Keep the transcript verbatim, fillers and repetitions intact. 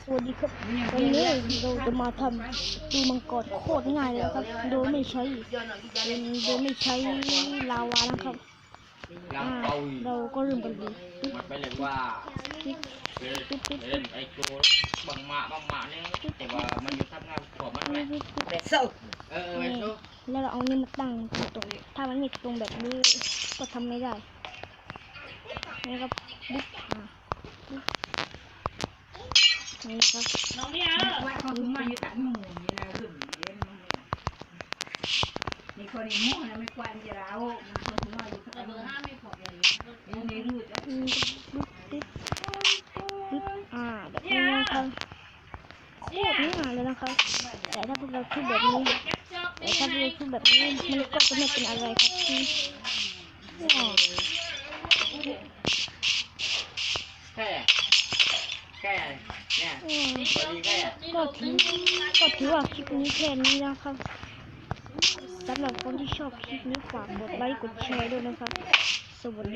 สวัสดีครับวันนี้เราจะมาทำดูมังกรโคตรง่ายเลยครับโดยไม่ใช้โดยไม่ใช้ลาวานะครับอ่าเราก็เริ่มกันเลยมันไปเลยว่าปิ๊บปิ๊บปิ๊บเล่นไอ้โจบังมาบังมาเนี่ยแต่ว่ามันอยู่ทำงานของมันไหมปิ๊บปิ๊บเด็กเศร้าเออเออไอ้โจแล้วเราเอานี่มาตั้งตรงถ้ามันไม่ตรงแบบนี้ก็ทำไม่ได้นี่ครับปุ๊บอ่านี่ครับน้องเนี่ยว่าเขาถึงมาอยู่ตัดหมูนี่นะขึ้นเดี๋ยวมันมีคนอีโม่นะไม่ควรจะเรามันคนถึงมาอยู่ตัดหมูห้าไม่พอเลยนี่ในรูดอืมปุ๊บปิ๊บปิ๊บอ่าแบบนี้นะครับโคตรง่ายเลยนะครับแต่ถ้าพวกเราคิดแบบนี้แต่ถ้าพวกเราคิดแบบนี้มันก็จะไม่เป็นอะไรครับที่ว้าวแค่แค่เนี่ยอืมพอดีแค่ก็ถือก็ถือว่าคลิปนี้แค่นี้นะครับสำหรับคนที่ชอบคลิปนี้ฝากกดไลค์กดแชร์ด้วยนะครับสวัสดี